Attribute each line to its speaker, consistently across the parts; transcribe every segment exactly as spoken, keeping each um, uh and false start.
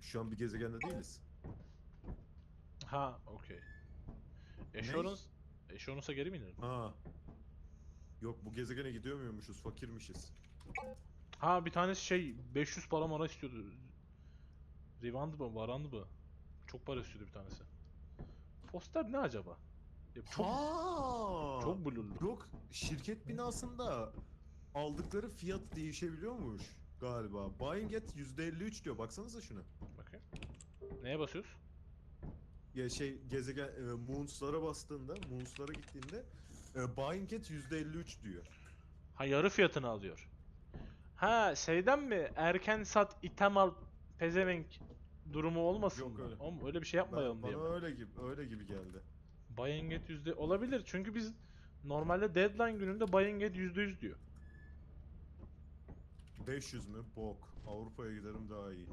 Speaker 1: Şu an bir gezegende değiliz.
Speaker 2: Ha, okey. Assurance, Assurance'a geri mi inelim?
Speaker 1: Ha. Yok, bu gezegene gidiyor muymuşuz? Fakirmişiz.
Speaker 2: Ha, bir tanesi şey beş yüz para mara istiyordu. Rivand mı, Varand mı? Çok para istiyordu bir tanesi. Poster ne acaba? Ya çok
Speaker 1: Ha.
Speaker 2: çok blurlu.
Speaker 1: Yok, şirket binasında aldıkları fiyat değişebiliyormuş galiba. Buying at yüzde elli üç diyor. Baksanıza şuna.
Speaker 2: Bakayım. Neye basıyoruz?
Speaker 1: Ya şey gezegen e, Moons'lara bastığında, Moons'lara gittiğinde e, buying at yüzde elli üç diyor.
Speaker 2: Ha, yarı fiyatını alıyor. Ha, şeyden mi? Erken sat, item al, pezevenk durumu olmasın
Speaker 1: Yok
Speaker 2: mı?
Speaker 1: öyle.
Speaker 2: Oğlum öyle bir şey
Speaker 1: Ben,
Speaker 2: yapmayalım diye mi?
Speaker 1: bana öyle gibi öyle gibi geldi.
Speaker 2: Buying at yüzde olabilir çünkü biz normalde deadline gününde buying at yüzde yüz diyor.
Speaker 1: beş yüz mü? Bok. Avrupa'ya giderim daha iyi.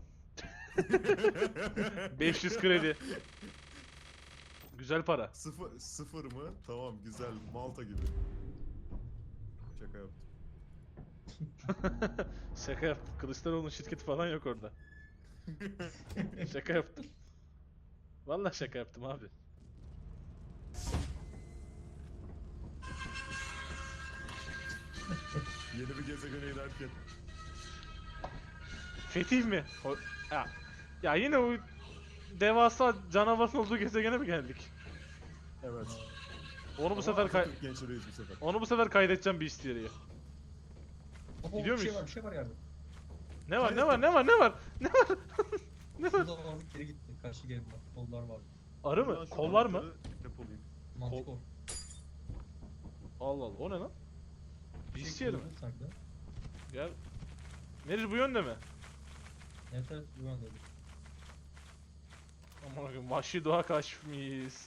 Speaker 2: beş yüz kredi. Güzel para.
Speaker 1: Sıfır, sıfır mı? Tamam, güzel. Malta gibi. Şaka yaptım.
Speaker 2: Şaka yaptım. Kılıçdaroğlu'nun şirketi falan yok orada. Şaka yaptım. Vallahi şaka yaptım abi.
Speaker 1: Yeni bir gezegene inerken.
Speaker 2: Fetih mi? O- ya. ya yine o devasa canavarın olduğu gezegene mi geldik?
Speaker 1: Evet.
Speaker 2: Onu bu
Speaker 1: Ama
Speaker 2: sefer kay
Speaker 1: Atatürk gençleriyiz bu sefer.
Speaker 2: onu bu sefer kaydedeceğim bir istiyeriye.
Speaker 3: Oho,
Speaker 2: Gidiyor
Speaker 3: bir şey
Speaker 2: muyuz?
Speaker 3: var, bir şey var yerde.
Speaker 2: Ne var ne var ne var ne var?
Speaker 3: Şurada var, geri gitti. Karşı geri bak. Kollar var.
Speaker 2: Arı
Speaker 1: Ben
Speaker 2: mı?
Speaker 1: şu
Speaker 2: Kollar mı?
Speaker 1: anahtarı depolayayım.
Speaker 3: Mantikor.
Speaker 2: Allah Allah, o ne lan? Bir
Speaker 3: şey
Speaker 2: istiyerim.
Speaker 3: kullanıyor sanki de.
Speaker 2: Gel. Meriç bu yönde mi?
Speaker 3: Evet evet, bu yönde.
Speaker 2: Aman akım, vahşi doğa kaçmış.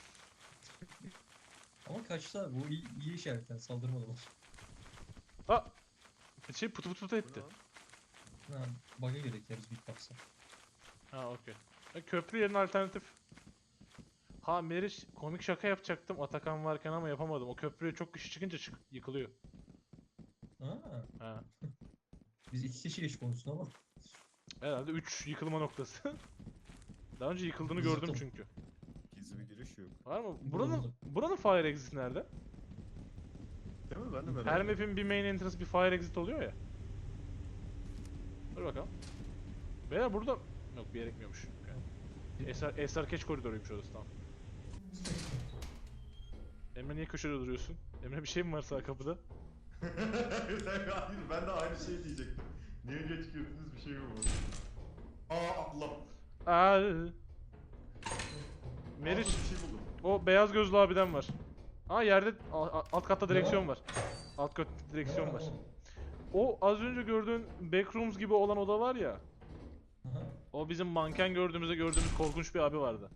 Speaker 3: Ama kaçta bu iyi, iyi işaretten saldırmadılar.
Speaker 2: Ha! Şey pıtı pıtı pıtı
Speaker 1: Bu
Speaker 2: etti.
Speaker 1: ne lan?
Speaker 3: Ha, bug'a gerek yeriz Big Box'a.
Speaker 2: Ha, okey. E, köprü yerine alternatif. Ha Meriç, komik şaka yapacaktım Atakan varken ama yapamadım. O köprüye çok kişi çıkınca çık yıkılıyor.
Speaker 3: Ha,
Speaker 2: Ha.
Speaker 3: biz iki kişiyle iş konusunda ama.
Speaker 2: Herhalde üç yıkılma noktası. Daha önce yıkıldığını
Speaker 3: Biz
Speaker 2: gördüm
Speaker 3: yıkıldık.
Speaker 2: çünkü.
Speaker 1: Gizli bir giriş yok.
Speaker 2: Var mı?
Speaker 3: Burada,
Speaker 2: Buranın
Speaker 3: burada.
Speaker 2: buranın fire exit nerede?
Speaker 1: Değil mi? Ben de merak
Speaker 2: Her
Speaker 1: ediyorum.
Speaker 2: map'in bir main entrance, bir fire exit oluyor ya. Dur bakalım. Beyler burada... Yok, bir yere gitmiyormuş. Okay. Esar, Esar Keç koridoruymuş orası, tamam. Emre niye köşede duruyorsun? Emre bir şey mi var sağ kapıda?
Speaker 1: Hayır, ben de aynı şeyi diyecektim. Niye geç girdiniz, bir şey mi var? Aa, Allah.
Speaker 2: Aa,
Speaker 1: Meriç.
Speaker 2: Meriç,
Speaker 1: Bir şey buldum.
Speaker 2: o beyaz gözlü abiden var. Aa, yerde a- a- alt katta direksiyon
Speaker 3: Ne
Speaker 2: var. Alt katta direksiyon
Speaker 3: Ne
Speaker 2: var.
Speaker 3: oğlum?
Speaker 2: O az önce gördüğün backrooms gibi olan oda var ya.
Speaker 3: Aha.
Speaker 2: O bizim manken gördüğümüzde gördüğümüz korkunç bir abi vardı.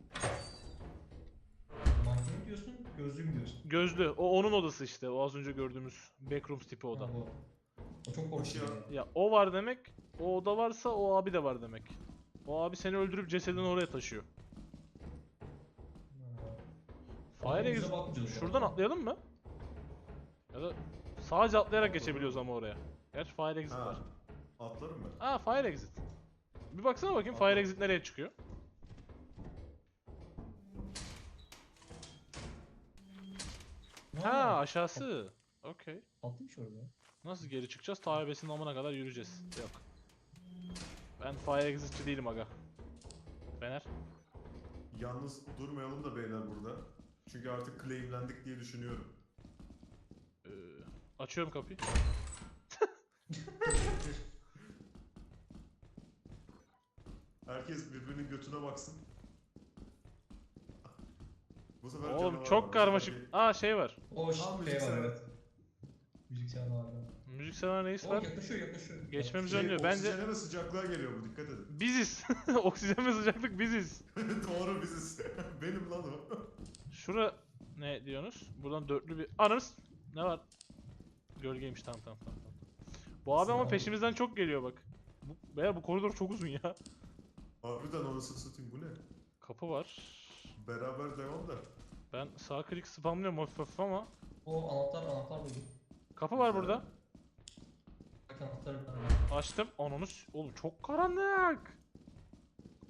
Speaker 3: Mantığı diyorsun, gözlüğü mü diyorsun?
Speaker 2: Gözlü. O onun odası işte. O az önce gördüğümüz backrooms tipi oda.
Speaker 3: Ha, o. O çok korkunç.
Speaker 1: ya.
Speaker 3: yani.
Speaker 2: Ya o var demek. O oda varsa o abi de var demek. O abi seni öldürüp cesedini oraya taşıyor.
Speaker 3: Ha.
Speaker 2: Fire
Speaker 3: Ama bize
Speaker 2: exit.
Speaker 3: bakmayacağız
Speaker 2: Şuradan
Speaker 3: zaten.
Speaker 2: atlayalım mı? Ya da sadece atlayarak geçebiliyoruz ama oraya. Gerçi fire exit var.
Speaker 1: Ha, atlarım ben.
Speaker 2: Aa, fire exit. Bir baksana bakayım
Speaker 1: Atla.
Speaker 2: fire exit nereye çıkıyor?
Speaker 3: Ne
Speaker 2: Ha,
Speaker 3: oldu?
Speaker 2: aşağısı. Okey.
Speaker 3: Tatlıymış orada.
Speaker 2: Nasıl geri çıkacağız? Tayyibesinin amına kadar yürüyeceğiz. Yok. Ben fire exitçi değilim aga. Fener.
Speaker 1: Yalnız durmayalım da beyler burada. Çünkü artık claimlendik diye düşünüyorum.
Speaker 2: Ee, açıyorum kapıyı.
Speaker 1: Herkes birbirinin götüne baksın. Bu sefer
Speaker 2: Oğlum
Speaker 1: canavar var.
Speaker 2: çok
Speaker 1: Bu
Speaker 2: karmaşık.
Speaker 1: sefer
Speaker 2: Aa, şey var.
Speaker 3: O
Speaker 1: Aa,
Speaker 3: şey
Speaker 1: müzik
Speaker 3: var
Speaker 1: sever.
Speaker 3: evet. Müzik sever var.
Speaker 2: Müzik seven reis
Speaker 3: O
Speaker 2: var.
Speaker 3: yaklaşıyor yaklaşıyor.
Speaker 2: Geçmemiz
Speaker 1: şey,
Speaker 2: önlüyor. Bence
Speaker 1: oksijene ve sıcaklığa geliyor bu, dikkat edin.
Speaker 2: biziz. Oksijen ve sıcaklık biziz.
Speaker 1: Doğru, biziz. Benim lan o.
Speaker 2: Şura ne diyorsunuz? Buradan dörtlü bir... Ananız! Ne var? Gölgeymiş, tamam tamam tamam. tamam. Bu abi ama
Speaker 3: Tamam.
Speaker 2: peşimizden çok geliyor bak. Bu, veya bu koridor çok uzun ya.
Speaker 1: Harbiden anasını satayım, bu ne?
Speaker 2: Kapı var.
Speaker 1: Beraber devam da.
Speaker 2: Ben sağ klik spamlıyorum hafif hafif ama.
Speaker 3: O anahtar anahtar buldum.
Speaker 2: Kapı var burada.
Speaker 3: Bak anahtar bir tane.
Speaker 2: Açtım. Ananı s- oğlum çok karanlık.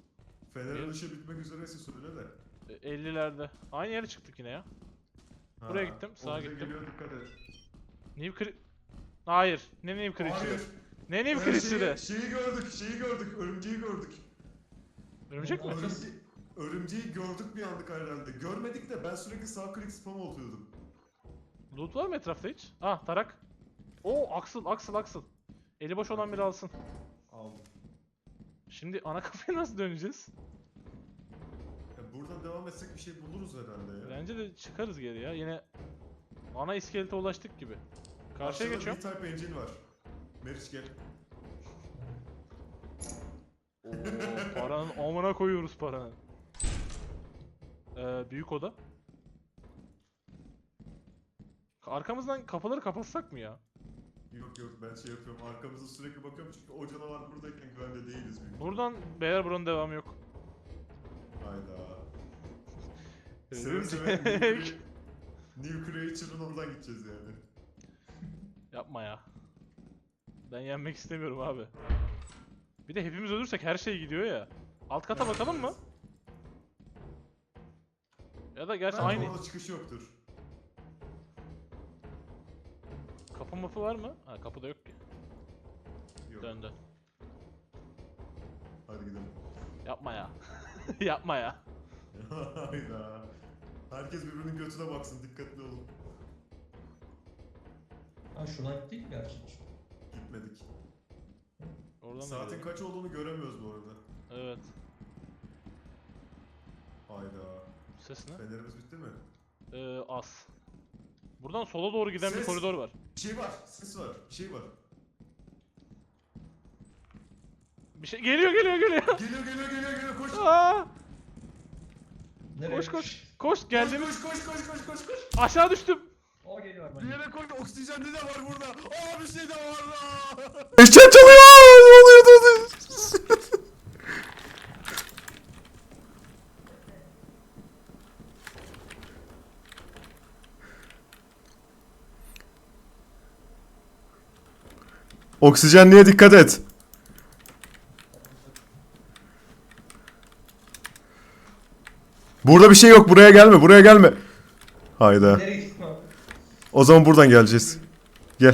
Speaker 1: Fener ışığı bitmek üzereyse söyle de.
Speaker 2: E, ellilerde. Aynı yere çıktık yine ya.
Speaker 1: Ha,
Speaker 2: Buraya gittim, sağa
Speaker 1: orada
Speaker 2: gittim.
Speaker 1: Geliyor, dikkat et.
Speaker 2: New Cre... Hayır. Ne New
Speaker 1: Hayır.
Speaker 2: Creature'ı? Ne New
Speaker 1: Ee,
Speaker 2: Creature'ı?
Speaker 1: şeyi, şeyi gördük, şeyi gördük, örümceği gördük.
Speaker 2: Örümcek mi?
Speaker 1: Örümce, örümceği gördük bir anlık herhalde. Görmedik de ben sürekli sağ klik spam oluyordum.
Speaker 2: Loot var mı etrafta hiç? Ah tarak. Oo Axel Axel Axel. Eli boş olan biri alsın.
Speaker 1: Aldım.
Speaker 2: Şimdi ana kafaya nasıl döneceğiz?
Speaker 1: Ya buradan devam etsek bir şey buluruz herhalde ya.
Speaker 2: Bence de çıkarız geri ya. Yine ana iskelete ulaştık gibi. Karşıya
Speaker 1: Aşağıda
Speaker 2: geçiyorum.
Speaker 1: B-Type engine var. Meriç gel.
Speaker 2: Oo paranın amına koyuyoruz paranın. Ee, büyük oda. Arkamızdan kapıları kapatsak mı ya?
Speaker 1: Yok yok ben şey yapıyorum, arkamıza sürekli bakıyorum çünkü o canavar buradayken güvende değiliz büyük.
Speaker 2: Buradan beyler buranın devamı yok.
Speaker 1: Hayda. Seve seve New,
Speaker 2: Örümcek.
Speaker 1: Crea- New Creature'ın oradan gideceğiz yani.
Speaker 2: Yapma ya. Ben yenmek istemiyorum abi. Bir de hepimiz ölürsek her şey gidiyor ya. Alt kata bakalım mı? Ya da gerçi
Speaker 1: Bence
Speaker 2: aynı.
Speaker 1: orada çıkış yoktur.
Speaker 2: Kapı mapı var mı? Ha kapıda yok ki.
Speaker 1: Yok.
Speaker 2: Dön dön.
Speaker 1: Hadi gidelim.
Speaker 2: Yapma ya. Yapma ya.
Speaker 1: Hayda. Herkes birbirinin götüne baksın, dikkatli olun.
Speaker 3: Ha şuradan gittik mi gerçi?
Speaker 1: Gitmedik.
Speaker 2: Oradan da
Speaker 1: Saatin
Speaker 2: gidelim.
Speaker 1: kaç olduğunu göremiyoruz bu arada.
Speaker 2: Evet.
Speaker 1: Hayda.
Speaker 2: Ses ne?
Speaker 1: Fenerimiz bitti mi?
Speaker 2: Ee, az. Buradan sola doğru giden bir
Speaker 1: Ses.
Speaker 2: koridor var.
Speaker 1: Bir şey var, ses var, bir şey var.
Speaker 2: Bir şey geliyor geliyor geliyor.
Speaker 1: Geliyor geliyor geliyor geliyor koş.
Speaker 2: Aa!
Speaker 3: Nereye?
Speaker 2: Koş koş. Koş geldim.
Speaker 1: Koş koş koş koş koş koş.
Speaker 2: Aşağı düştüm.
Speaker 3: O geliyor
Speaker 1: Bir
Speaker 3: bence.
Speaker 1: yere koy, oksijenli de var burada. Aa bir şey de var da.
Speaker 4: Eşya çalıyor. Ne oluyor? Ne oluyor? Oksijenliğe dikkat et. Burada bir şey yok. Buraya gelme. Buraya gelme. Hayda.
Speaker 3: Nereye gittin abi?
Speaker 4: O zaman buradan geleceğiz. Gel.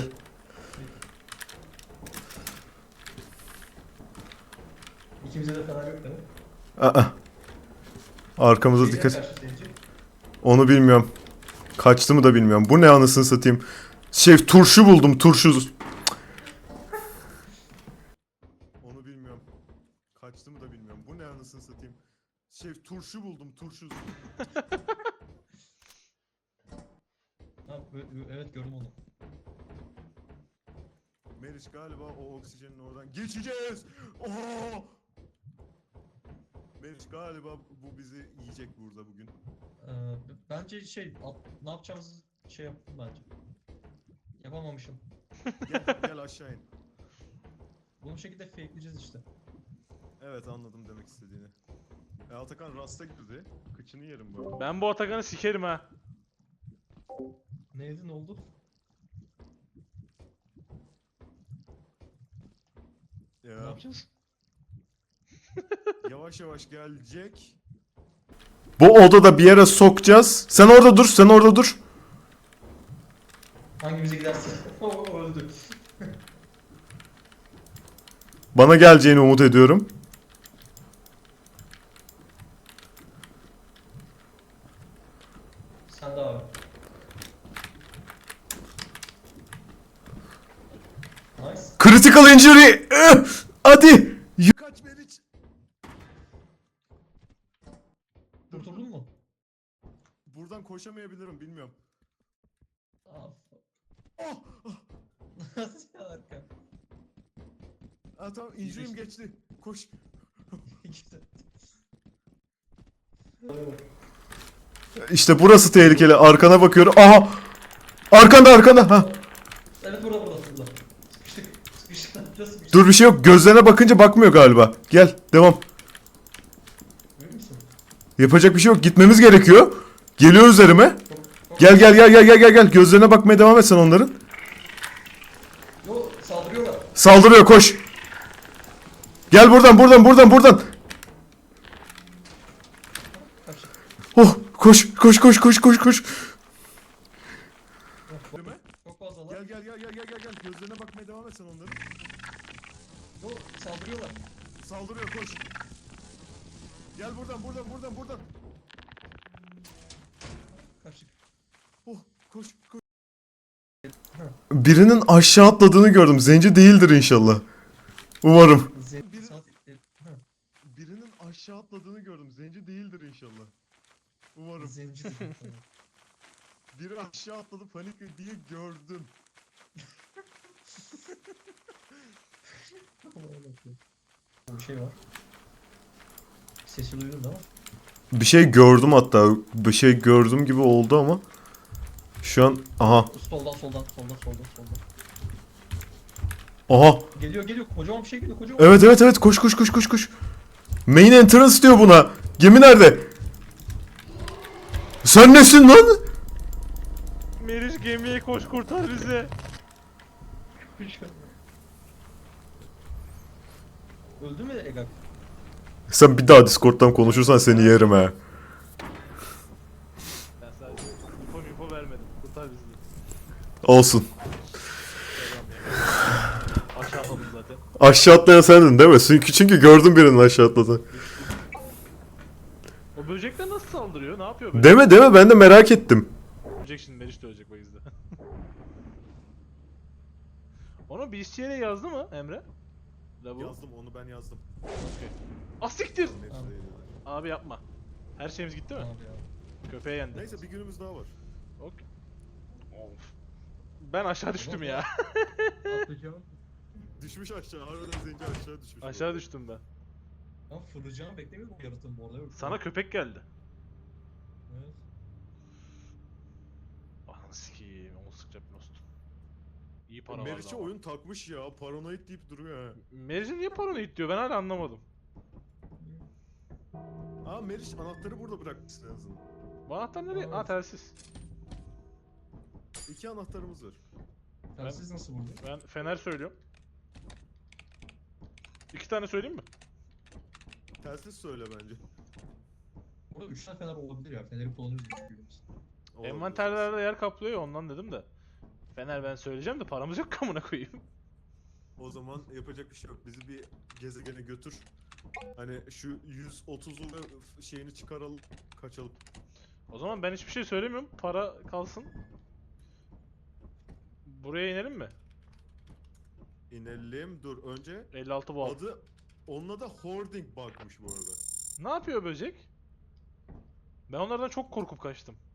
Speaker 3: İkimize de fener yok değil mi?
Speaker 4: Aa. Arkamıza
Speaker 3: Şeyden
Speaker 4: dikkat.
Speaker 3: karşı seyirci.
Speaker 4: Onu bilmiyorum. Kaçtı mı da bilmiyorum. Bu ne anasını satayım. Şey turşu buldum. Turşu. Onu bilmiyorum. Kaçtı mı da bilmiyorum. Bu ne anasını satayım. Şey turşu buldum. Turşu.
Speaker 3: Ha, ö- ö- evet gördüm onu.
Speaker 1: Meriç galiba o oksijenin oradan geçeceğiz. Oo! Meriç galiba bu bizi yiyecek burada bugün.
Speaker 3: Ee, b- bence şey at- ne yapacağımızı şey yaptım bence. Yapamamışım.
Speaker 1: Gel, gel aşağı in.
Speaker 3: Bunu bu şekilde fakeleyeceğiz işte.
Speaker 1: Evet anladım demek istediğini. E, Atakan rasta girdi. Kıçını yerim bu arada.
Speaker 2: Ben bu Atakan'ı sikerim ha.
Speaker 3: Neydi ne oldu? Ne
Speaker 1: Ya,
Speaker 3: yapacağız?
Speaker 1: yavaş yavaş gelecek.
Speaker 4: Bu odada bir yere sokacağız. Sen orada dur. Sen orada dur.
Speaker 3: Hangimize giderse. O öldü.
Speaker 4: Bana geleceğini umut ediyorum.
Speaker 3: Sen de abi. Nice.
Speaker 4: Critical injury. Üh! Hadi.
Speaker 1: Kaç Meriç.
Speaker 3: Kurtuldun mu?
Speaker 1: Buradan koşamayabilirim bilmiyorum.
Speaker 3: Aa,
Speaker 1: Oh! oh.
Speaker 3: Nasıl ya arka?
Speaker 1: Ha tamam injury'im geçti. Koş.
Speaker 3: Güzel.
Speaker 4: İşte burası tehlikeli. Arkana bakıyorum. Aha. Arkanda arkanda. Ha.
Speaker 3: Evet burada burada burada. Sıkıştık. Sıkıştık. Nasıl sıkıştık?
Speaker 4: Dur bir şey yok. Gözlerine bakınca bakmıyor galiba. Gel devam.
Speaker 3: Emin misin?
Speaker 4: Yapacak bir şey yok. Gitmemiz gerekiyor. Geliyor üzerime.
Speaker 3: Çok, çok...
Speaker 4: Gel gel gel gel gel gel gel. Gözlerine bakmaya devam et sen onların.
Speaker 3: Yo saldırıyorlar.
Speaker 4: Saldırıyor koş. Gel buradan buradan buradan buradan.
Speaker 5: Oh koş koş koş koş koş koş.
Speaker 3: Yok,
Speaker 1: Değil mi?
Speaker 3: çok fazlalar.
Speaker 1: Gel gel gel gel gel gel gel. Gözlerine bakmaya devam et sen onların.
Speaker 3: Yo, saldırıyorlar.
Speaker 1: Saldırıyor koş. Gel buradan buradan buradan buradan.
Speaker 3: Kaçtık.
Speaker 1: Oh koş koş.
Speaker 5: Birinin aşağı atladığını gördüm. Zenci değildir inşallah. Umarım.
Speaker 3: Zen
Speaker 1: Biri-
Speaker 3: saat e, ha,
Speaker 1: Birinin aşağı atladığını gördüm. Zenci değildir inşallah. Umarım.
Speaker 3: zenci değil. Tamam.
Speaker 1: Biri aşağı atladı panik diye gördüm.
Speaker 3: Bir şey var. Sesi duydun değil mi?
Speaker 5: Bir şey gördüm hatta. Bir şey gördüm gibi oldu ama. Şu an aha.
Speaker 3: Soldan soldan soldan soldan soldan.
Speaker 5: Aha.
Speaker 3: Geliyor geliyor kocaman bir şey geliyor kocaman.
Speaker 5: Evet evet evet koş koş koş koş koş. Main entrance diyor buna. Gemi nerede? Sen nesin lan?
Speaker 2: Meriç gemiye koş kurtar bizi.
Speaker 3: Öldü mü Egak?
Speaker 5: Sen bir daha Discord'dan konuşursan seni yerim ha.
Speaker 2: Ben sadece info info vermedim. Kurtar bizi.
Speaker 5: Olsun.
Speaker 2: Aşağı atladım zaten.
Speaker 5: Aşağı atlayan sendin değil mi? Çünkü, çünkü gördüm birinin aşağı atladı.
Speaker 2: O böcekler nasıl saldırıyor? Ne yapıyor böyle?
Speaker 5: Deme deme ben de merak ettim.
Speaker 2: Ölecek şimdi, Meriç de ölecek bu yüzden. Onu bir işçiye yazdı mı Emre? Lavu.
Speaker 1: Yazdım onu ben yazdım.
Speaker 2: Okey. Asiktir!
Speaker 1: Neyse,
Speaker 3: Tamam.
Speaker 2: Abi yapma. Her şeyimiz gitti mi?
Speaker 3: Abi ya.
Speaker 2: Köpeğe yendi.
Speaker 1: Neyse bir günümüz daha var.
Speaker 2: Okey. Of. Ben aşağı düştüm ya.
Speaker 3: Atlayacağım.
Speaker 1: Düşmüş aşağı. Harbiden zenci aşağı düşmüş.
Speaker 2: Aşağı düştüm ben.
Speaker 3: Ben fırlayacağımı beklemiyordum o yaratığın bu arada. Yok.
Speaker 2: Sana köpek geldi.
Speaker 3: Evet.
Speaker 2: Ananı sikiyim. Onu sıkacak bir nost. İyi para vardı
Speaker 1: Meriç'e
Speaker 2: ama.
Speaker 1: oyun takmış ya. Paranoid deyip duruyor ha.
Speaker 2: Meriç'e niye paranoid diyor? Ben hala anlamadım.
Speaker 1: Aa Meriç anahtarı burada bırakmışsın en azından.
Speaker 2: Bu anahtar nereye? Aa,
Speaker 3: Evet.
Speaker 2: telsiz.
Speaker 1: İki anahtarımız var.
Speaker 3: Telsiz nasıl buldu?
Speaker 2: Ben fener söylüyorum. İki tane söyleyeyim mi?
Speaker 1: Telsiz söyle bence.
Speaker 3: Burada üç tane fener olabilir ya. Feneri kullanıyoruz gibi biz.
Speaker 1: Olabilir.
Speaker 2: Envanterlerde yer kaplıyor ya, ondan dedim de. Fener ben söyleyeceğim de paramız yok, kamuna koyayım.
Speaker 1: O zaman yapacak bir şey yok. Bizi bir gezegene götür. Hani şu yüz otuzlu şeyini çıkaralım, kaçalım.
Speaker 2: O zaman ben hiçbir şey söylemiyorum. Para kalsın. Buraya inelim mi?
Speaker 1: İnelim. Dur önce
Speaker 2: elli altı volt.
Speaker 1: adı onun adı hoarding bug'mış bu arada.
Speaker 2: Ne yapıyor böcek? Ben onlardan çok korkup kaçtım.